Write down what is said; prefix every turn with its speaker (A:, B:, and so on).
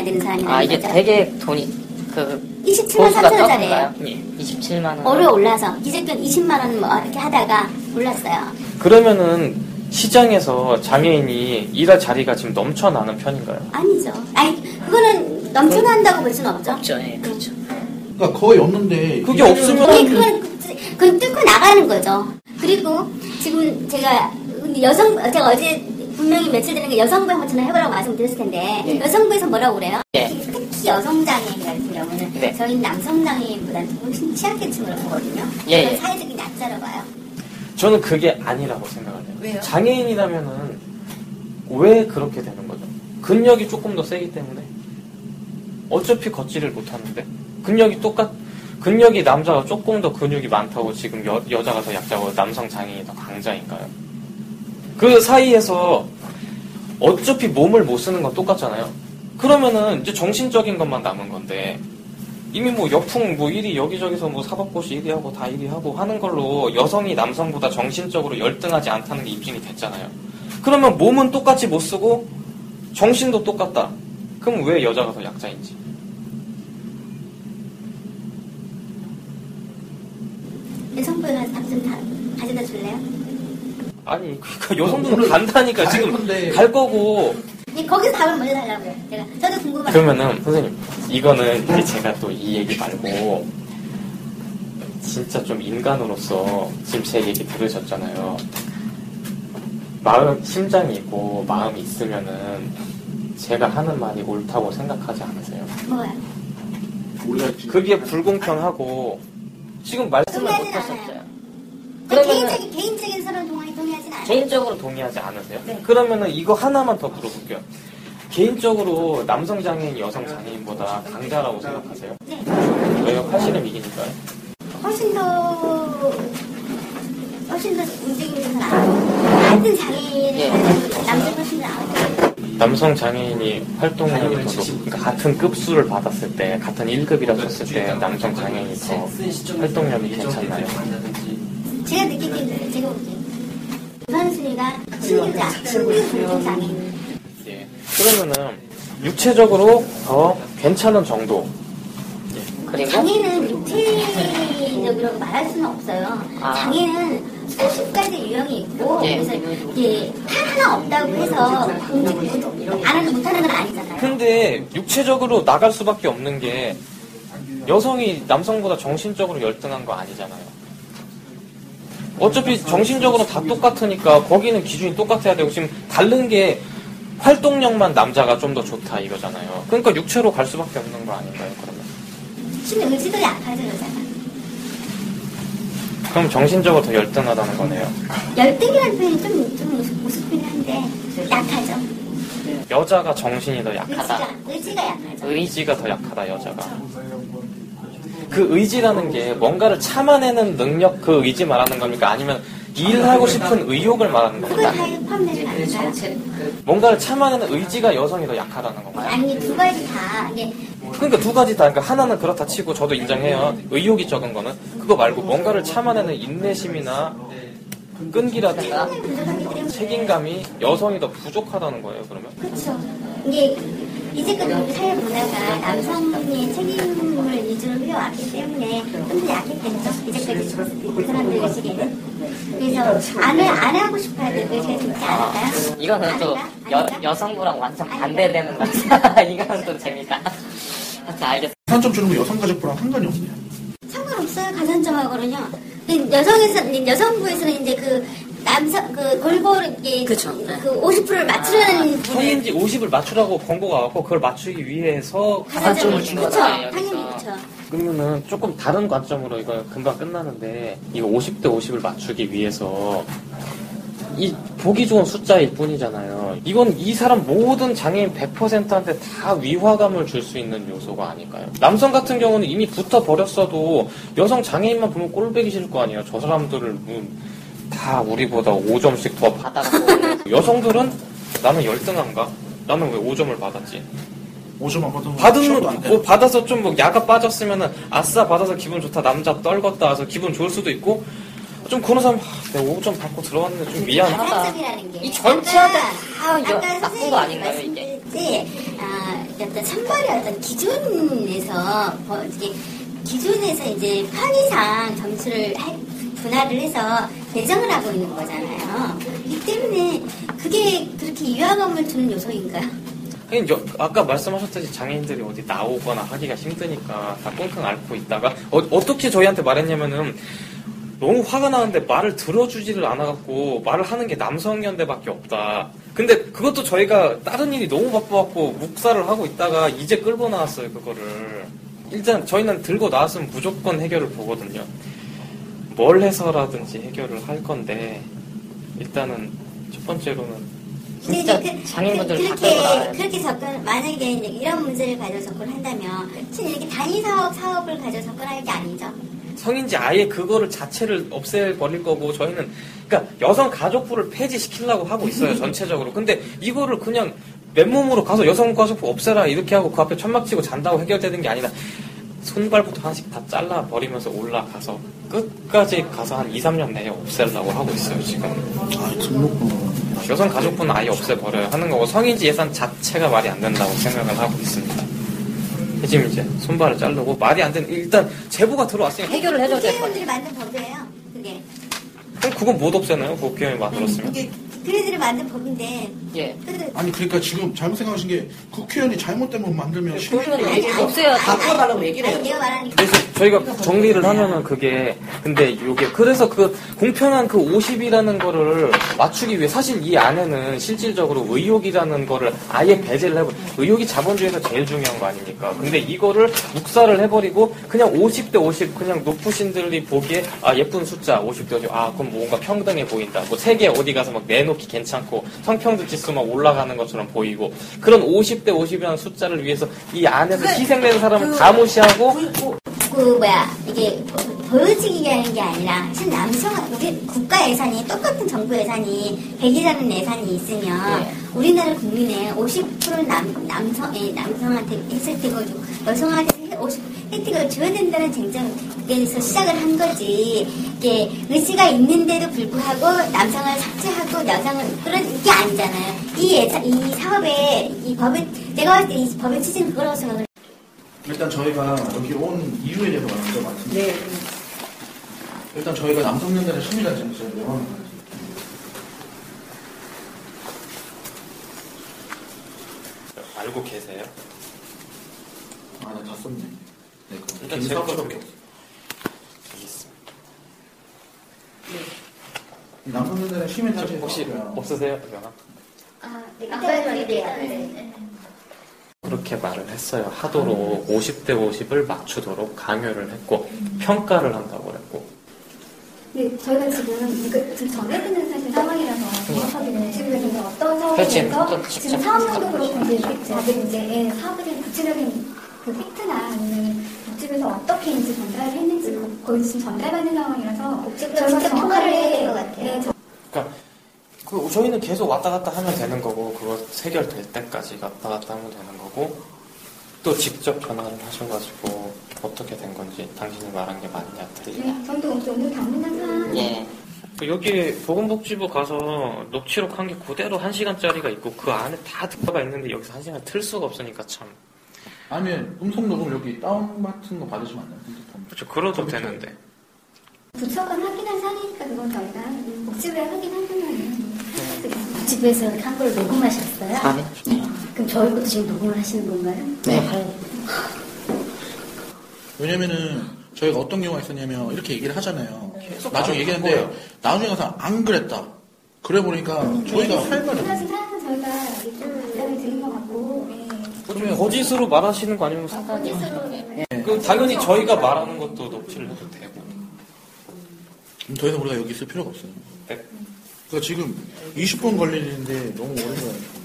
A: 되는 사람이라는
B: 아, 이게
A: 거죠.
B: 되게 돈이
A: 27만 3천 원짜리예요.
B: 예, 27만 원.
A: 오래 올라서 기재권 20만 원 뭐 이렇게 하다가 올랐어요.
C: 그러면은 시장에서 장애인이 일할 자리가 지금 넘쳐나는 편인가요?
A: 아니죠. 아니 그거는 넘쳐난다고 볼 수는 없죠.
B: 없죠. 예, 그렇죠.
D: 그러니까 거의 없는데
C: 그게 없으면
A: 그건 뚫고 나가는 거죠. 그리고 지금 제가 어제 분명히 며칠 전에 여성부에 한번 전화해보라고 말씀드렸을 텐데
B: 네.
A: 여성부에서 뭐라고 그래요?
B: 네.
A: 특히 여성 장애인 같은 경우는
B: 네.
A: 저희는 남성 장애인보다는 훨씬 취약계층으로 보거든요.
B: 예,
A: 그런
B: 예.
A: 사회적인 약자로 봐요.
C: 저는 그게 아니라고 생각해요.
A: 왜요?
C: 장애인이라면은 왜 그렇게 되는 거죠? 근력이 조금 더 세기 때문에 어차피 걷지를 못하는데 근력이 남자가 조금 더 근육이 많다고 지금 여자가 더 약자고 남성 장애인이 더 강자인가요? 그 사이에서 어차피 몸을 못 쓰는 건 똑같잖아요. 그러면은 이제 정신적인 것만 남은 건데 이미 뭐 여풍 뭐 1위 여기저기서 뭐 사법고시 1위 하고 다 1위 하고 하는 걸로 여성이 남성보다 정신적으로 열등하지 않다는 게 입증이 됐잖아요. 그러면 몸은 똑같이 못 쓰고 정신도 똑같다. 그럼 왜 여자가 더 약자인지?
A: 여성부에 가서 답 좀 가져다 줄래요?
C: 아니 그러니까 여성분은 간다니까 지금
D: 건데.
C: 갈 거고.
A: 거기서 답을 먼저 달라고요. 저도 궁금해요.
C: 그러면은 선생님 이거는 이제 제가 또 이 얘기 말고 진짜 좀 인간으로서 지금 제 얘기 들으셨잖아요. 심장이 있고 마음이 있으면은 제가 하는 말이 옳다고 생각하지 않으세요?
A: 뭐야?
C: 그게 불공평하고 지금 말씀을
A: 동의하진
C: 못하셨어요.
A: 않아요. 개인적인 서로 동의하진 않아요.
C: 개인적으로 동의하지 않으세요?
A: 네.
C: 그러면은 이거 하나만 더 물어볼게요. 개인적으로 남성 장애인, 여성 장애인보다 강자라고 생각하세요?
A: 네.
C: 왜요? 팔씨름 이기니까요?
A: 훨씬 더 움직임이 더 나아요. 같은 장애인을 남성 훨씬 더 나아요.
C: 남성 장애인이 활동량이 더 그러니까 같은 급수를 받았을 때, 같은 1급이라고 했을 때 남성 장애인이 더 활동량이 괜찮나요?
A: 제가 느끼기에는 제가 보기엔 우선순위가 신규 장애인.
C: 예. 그러면은 육체적으로 더 괜찮은 정도.
B: 그리고
A: 장애는 육체적으로 말할 수는 없어요. 장애는 수십 가지 유형이 있고
B: 예.
A: 그래서 이게 하나 없다고 해서 못하는 건 아니잖아요.
C: 근데 육체적으로 나갈 수밖에 없는 게 여성이 남성보다 정신적으로 열등한 거 아니잖아요. 어차피 정신적으로 다 똑같으니까 거기는 기준이 똑같아야 되고 지금 다른 게 활동력만 남자가 좀 더 좋다 이거잖아요. 그러니까 육체로 갈 수밖에 없는 거 아닌가요? 그러면?
A: 심지어 의지도 약하죠 여자가.
C: 그럼 정신적으로 더 열등하다는 거네요.
A: 열등이라는 표현이 좀 우습긴 한데 약하죠.
C: 여자가 정신이 더 약하다.
A: 의지가 약하죠.
C: 의지가 더 약하다 여자가. 그 의지라는 게 뭔가를 참아내는 능력 그 의지 말하는 겁니까? 아니면 일하고 싶은 의욕을 말하는
A: 그걸
C: 겁니까?
A: 다 포함되는 거 아닌가요?
C: 뭔가를 참아내는 의지가 여성이 더 약하다는 건가요?
A: 아니 두 가지 다 이게
C: 그러니까 두 가지 다. 그러니까 하나는 그렇다 치고 저도 인정해요. 의욕이 적은 거는 그거 말고 뭔가를 참아내는 인내심이나 끈기라든가 책임감이 여성이 더 부족하다는 거예요. 그러면?
A: 그렇죠. 이게 이제까지 우리 사회 문화가 남성의 책임을 위주로 해왔기 때문에 좀 더 약했겠죠. 이제까지 그 사람들 의식에는. 그래서 안 하고 싶어야 될 의식이 있지 않을까요?
B: 이거는 또
A: 아닌가?
B: 여성부랑 완전 반대되는 거죠. 이거는 또 재밌다. 알겠습니다.
D: 산점 주는 거 여성가족부랑 상관이 없네요.
A: 상관없어요. 가산점하고는요. 여성부에서는 이제 골고루 이게
B: 그쵸.
A: 그 50%를 맞추려는
C: 성인지 50을 맞추라고 권고가 왔고 그걸 맞추기 위해서
B: 가산점을 준
A: 그렇죠.
B: 거잖아요,
A: 당연히
B: 여기서.
A: 그렇죠.
C: 그러면은 조금 다른 관점으로 이거 금방 끝나는데 이거 50대 50을 맞추기 위해서 이 보기 좋은 숫자일 뿐이잖아요. 이건 이 사람 모든 장애인 100%한테 다 위화감을 줄 수 있는 요소가 아닐까요? 남성 같은 경우는 이미 붙어 버렸어도 여성 장애인만 보면 꼴보기 싫을 거 아니에요. 저 사람들을 다 우리보다 5점씩 더
B: 받아갖고
C: 여성들은 나는 열등한가? 나는 왜 5점을 받았지?
D: 5점 안 받으면
C: 받은
D: 시험도 안 돼.
C: 뭐 받아서 좀 뭐 야가 빠졌으면은 아싸 받아서 기분 좋다 남자 떨궜다 해서 기분 좋을 수도 있고 좀 그런 사람 내가 5점 받고 들어왔는데 좀 미안하다.
A: 가산점이라는 게
B: 이 전체한테 다
A: 아까
B: 나쁜 거 아닌가요, 이게?
A: 말씀드렸지, 어떤 선발의 어떤 기준에서 이제 편의상 점수를 분할을 해서 배정을 하고 있는 거잖아요. 이 때문에 그게 그렇게 유화감을 주는 요소인가요?
C: 아까 말씀하셨듯이 장애인들이 어디 나오거나 하기가 힘드니까 다 끙끙 앓고 있다가 어떻게 저희한테 말했냐면은 너무 화가 나는데 말을 들어주지를 않아갖고 말을 하는 게 남성연대밖에 없다. 근데 그것도 저희가 다른 일이 너무 바빠갖고 묵살을 하고 있다가 이제 끌고 나왔어요, 그거를. 일단 저희는 들고 나왔으면 무조건 해결을 보거든요. 뭘 해서라든지 해결을 할 건데 일단은 첫 번째로는
B: 진짜 장애인분들 다 끌고 나와야 돼.
A: 그렇게 만약에 이제 이런 문제를 가지고 접근한다면 사실 이렇게 단위 사업을 가지고 접근할 게 아니죠.
C: 성인지 아예 그거를 자체를 없애버릴 거고 저희는 그러니까 여성가족부를 폐지시키려고 하고 있어요, 전체적으로. 근데 이거를 그냥 맨몸으로 가서 여성가족부 없애라 이렇게 하고 그 앞에 천막 치고 잔다고 해결되는 게 아니라 손발부터 하나씩 다 잘라버리면서 올라가서 끝까지 가서 한 2, 3년 내에 없애려고 하고 있어요, 지금.
D: 등록번호.
C: 여성가족부는 아예 없애버려야 하는 거고 성인지 예산 자체가 말이 안 된다고 생각을 하고 있습니다. 지금 이제 손발을 자르고 말이 안 되는 일단 제보가 들어왔으니까
B: 해결을 해줘야 될 것
A: 국회의원들이
B: 같아요.
A: 만든 법이에요. 그게.
C: 그럼 그건 못 없애나요? 국회의원이 만들었으면.
A: 그들이 만든 법인데.
B: 예.
D: 아니 그러니까 지금 잘못 생각하신 게 국회의원이 잘못된 법 만들면
B: 그러면 얘기를 없애야 바꿔달라고 얘기를 해요.
A: 내가 말하는 게
C: 그래서 저희가 정리를 하면은 그게 근데 요게 그래서 그 공평한 그 50이라는 거를 맞추기 위해 사실 이 안에는 실질적으로 의욕이라는 거를 아예 배제를 해버려. 의욕이 자본주의에서 제일 중요한 거 아닙니까? 근데 이거를 묵살을 해버리고 그냥 50대 50 그냥 높으신들이 보기에 아 예쁜 숫자 50대 50 아 그럼 뭔가 평등해 보인다. 뭐 세계 어디 가서 막 내놓기 괜찮고 성평등 지수 막 올라가는 것처럼 보이고 그런 50대 50이라는 숫자를 위해서 이 안에서 희생되는 사람을 다 무시하고
A: 이게 보여지기라는 게 아니라 사실 우리 국가 예산이 똑같은 정부 예산이 100이라는 예산이 있으면 우리나라 국민의 50%는 남성한테 혜택을 주고 여성한테 50% 혜택을 줘야 된다는 쟁점에서 시작을 한 거지. 이게 의지가 있는데도 불구하고 남성을 삭제하고 여성을 그런 게 아니잖아요. 이 사업에 내가 봤을 때 이 법의 취지는 그거라고 생각을.
D: 일단 저희가 여기 온 이유에 대해서 먼저 말씀드릴게요.
B: 네.
D: 일단 저희가 남성연대를 심의단 지금 저희 명함을
C: 알고 계세요?
D: 아니 다 썼네. 네,
C: 일단
D: 제가
C: 제가
D: 거
C: 좀-
D: 게
C: 알겠습니다.
D: 남성연대를 심의단
C: 혹시 없으세요? 명함?
A: 아까 말이래요.
C: 그렇게 말을 했어요. 하도록 50대 50을 맞추도록 강요를 했고 평가를 한다고 그랬고
E: 네, 저희가 지금 정해지는 사실 상황이라서 정확하게는 지금 어떤
B: 그렇지.
E: 상황에서 지금 사업도 그렇고 이제 사업에 구체적인 그 팩트나 아니면 복집에서 어떻게 이제 전달을 했는지 거의 지금 전달받는 상황이라서
A: 진짜 평가를 해야 될 것 같아요.
C: 그러니까 저희는 계속 왔다 갔다 하면 되는 거고 그거 해결될 때까지 왔다 갔다 하면 되는 거고 또 직접 전화를 하셔가지고 어떻게 된 건지 당신이 말한 게 맞냐 틀리냐
E: 네, 저도 오늘 당면한 사항
B: 예.
C: 여기 보건복지부 가서 녹취록 한 게 그대로 1시간짜리가 있고 그 안에 다 들어가 있는데 여기서 1시간 틀 수가 없으니까 참
D: 아니면 음성 녹음 여기 다운 같은 거 받으시면 안 돼요? 핸드폰.
C: 그렇죠. 그러도 되는데
E: 부처가 확인한 사항이니까 그건 저희가 복집에 확인한 거는
A: 집에서 한 걸 녹음하셨어요?
B: 아, 네.
A: 그럼 저희 것도 지금 녹음을 하시는 건가요?
B: 네.
D: 왜냐면은 저희가 어떤 경우가 있었냐면 이렇게 얘기를 하잖아요.
C: 계속
D: 나중에 얘기하는데
C: 거예요.
D: 나중에 가서 안 그랬다. 그래 보니까 저희가 할 말이 없어요.
E: 사실 사항은 저희가 좀 답변을 드린 것 같고 네.
C: 거짓으로 말하시는 거 아니면 상관이 그 당연히 저희가 말하는 것도 녹취를 해도 되고
D: 더 이상 우리가 여기 있을 필요가 없어요.
C: 네.
D: 그러니까 지금 20분 걸리는데 너무 오래 걸려요.